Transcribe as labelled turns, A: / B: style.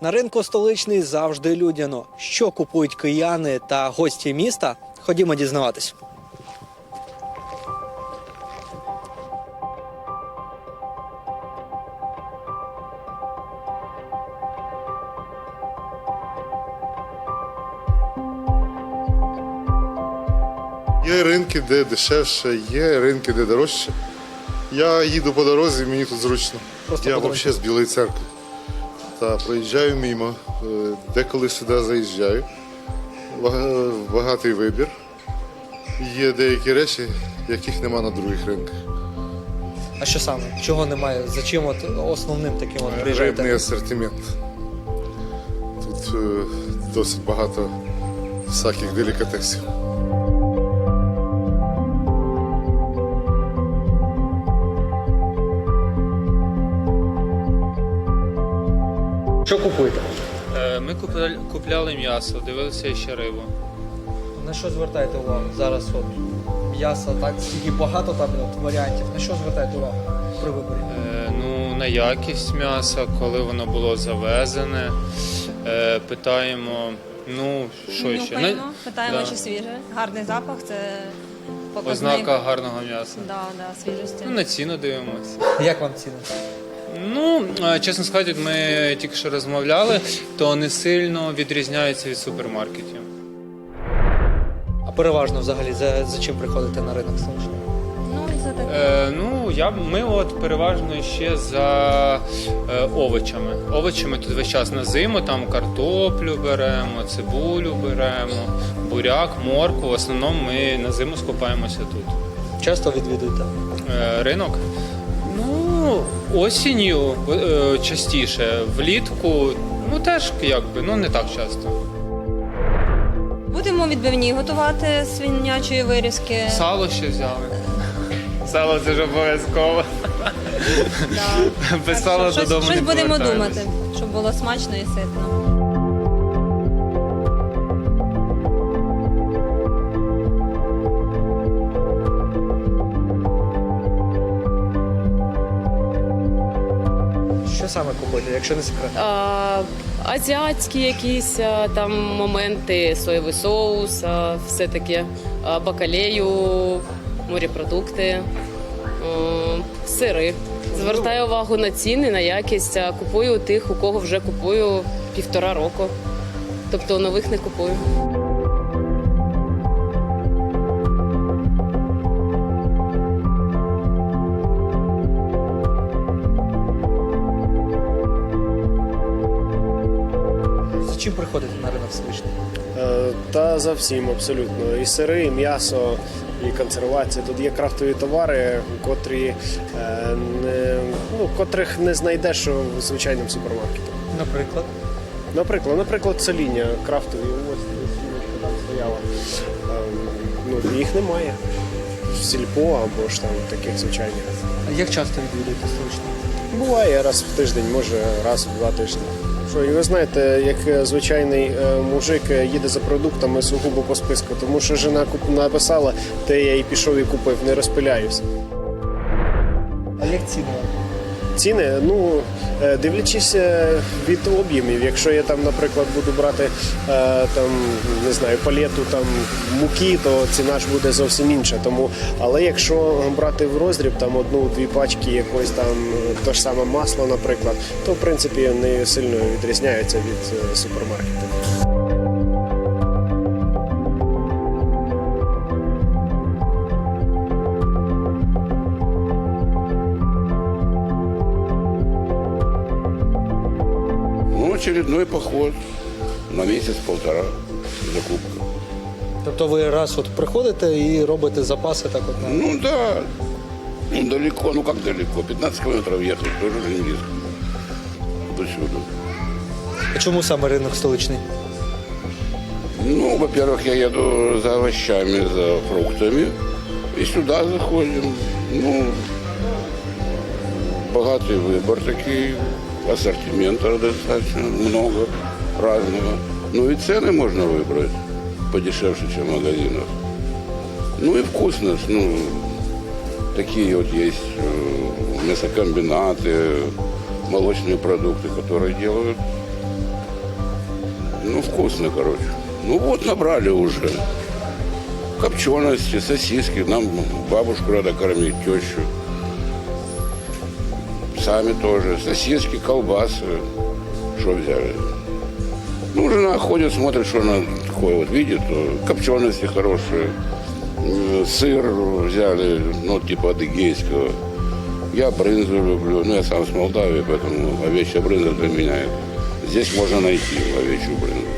A: На ринку столичний завжди людяно. Що купують кияни та гості міста? Ходімо дізнаватись.
B: Є ринки, де дешевше, є ринки, де дорожче. Я їду по дорозі, мені тут зручно.
A: Просто
B: Я
A: по дорозі.
B: взагалі з Білої церкви. Та проїжджаю мимо, деколи сюди заїжджаю. Багатий вибір. Є деякі речі, яких нема на других ринках.
A: А що саме? Чого немає? За чим основним таким приїжджаєте?
B: Рибний асортимент. Тут досить багато всяких делікатесів.
A: Що купуєте?
C: Ми купляли м'ясо, дивилися ще рибу.
A: На що звертаєте увагу? Зараз от м'ясо, так, скільки багато там варіантів. На що звертаєте увагу при виборі?
C: На якість м'яса, коли воно було завезене. Питаємо, що ще?
D: Питаємо,
C: Да.
D: чи свіже. Гарний запах – це показник.
C: Ознака гарного м'яса.
D: Да, свіжості.
C: На ціну дивимося.
A: Як вам ціни?
C: Чесно сказати, ми тільки що розмовляли, то не сильно відрізняється від супермаркетів.
A: А переважно взагалі за чим приходите на ринок столичний?
D: За таке.
C: Ми переважно ще за овочами. Овочами тут весь час на зиму, там картоплю беремо, цибулю беремо, буряк, моркву. В основному ми на зиму скупаємося тут.
A: Часто відвідуєте?
C: Ринок? Осінню частіше, влітку, теж не так часто.
D: Будемо відбивні готувати з свинячої вирізки.
C: Сало ще взяли. Сало це ж обов'язково.
D: Да.
C: Без сала додому не
D: Щось будемо
C: повертаємось.
D: думати, щоб було смачно і ситно.
A: Що саме купуєте, якщо не секрет?
E: Азіатські якісь там моменти, соєвий соус, все таке, бакалею, морепродукти, сири. Звертаю увагу на ціни, на якість. Купую у тих, у кого вже купую 1,5 року. Тобто нових не купую.
A: За чим приходите на ринок столичний?
F: Та за всім абсолютно. І сири, і м'ясо, і консервація. Тут є крафтові товари, котрих не знайдеш в звичайному супермаркеті. Наприклад, соління крафтові. Ось там стояла. Їх немає. В сільпо або ж там таких звичайних.
A: А як часто відвідуєте столичний?
F: Буває раз в тиждень, може раз в 2 тижні. І ви знаєте, як звичайний мужик їде за продуктами сугубо по списку, тому що жена написала, те я і пішов і купив, не розпиляюся.
A: А як ціни?
F: Ціни, дивлячись від об'ємів. Якщо я там, наприклад, буду брати палету муки, то ціна ж буде зовсім інша. Але якщо брати в роздріб 1-2 пачки якоїсь те ж саме масло, наприклад, то в принципі не сильно відрізняється від супермаркетів.
G: Очередной поход на месяц-полтора закупка.
A: Тобто ви раз приходите і робите запаси так от?
G: Да, далеко, как далеко, 15 километров ехать, тоже не близко. До сюда.
A: А чому саме ринок столичний?
G: Во-первых, я еду за овощами, за фруктами, и сюда заходим. Богатый выбор такой, ассортимента достаточно много разного. И цены можно выбрать подешевше, чем в магазинах. И вкусность. Такие есть мясокомбинаты, молочные продукты, которые делают Ну, вкусно, короче. Ну вот, набрали уже. Копчености, сосиски. Нам бабушку надо кормить, тещу. Сами тоже. Сосиски, колбасы. Что взяли? Ну, жена ходит, смотрит, что она такое вот видит. Копчености хорошие. Сыр взяли, ну, типа адыгейского. Я брынзу люблю. Ну, я сам с Молдавии, поэтому овечья брынза для меня. Здесь можно найти овечью брынзу.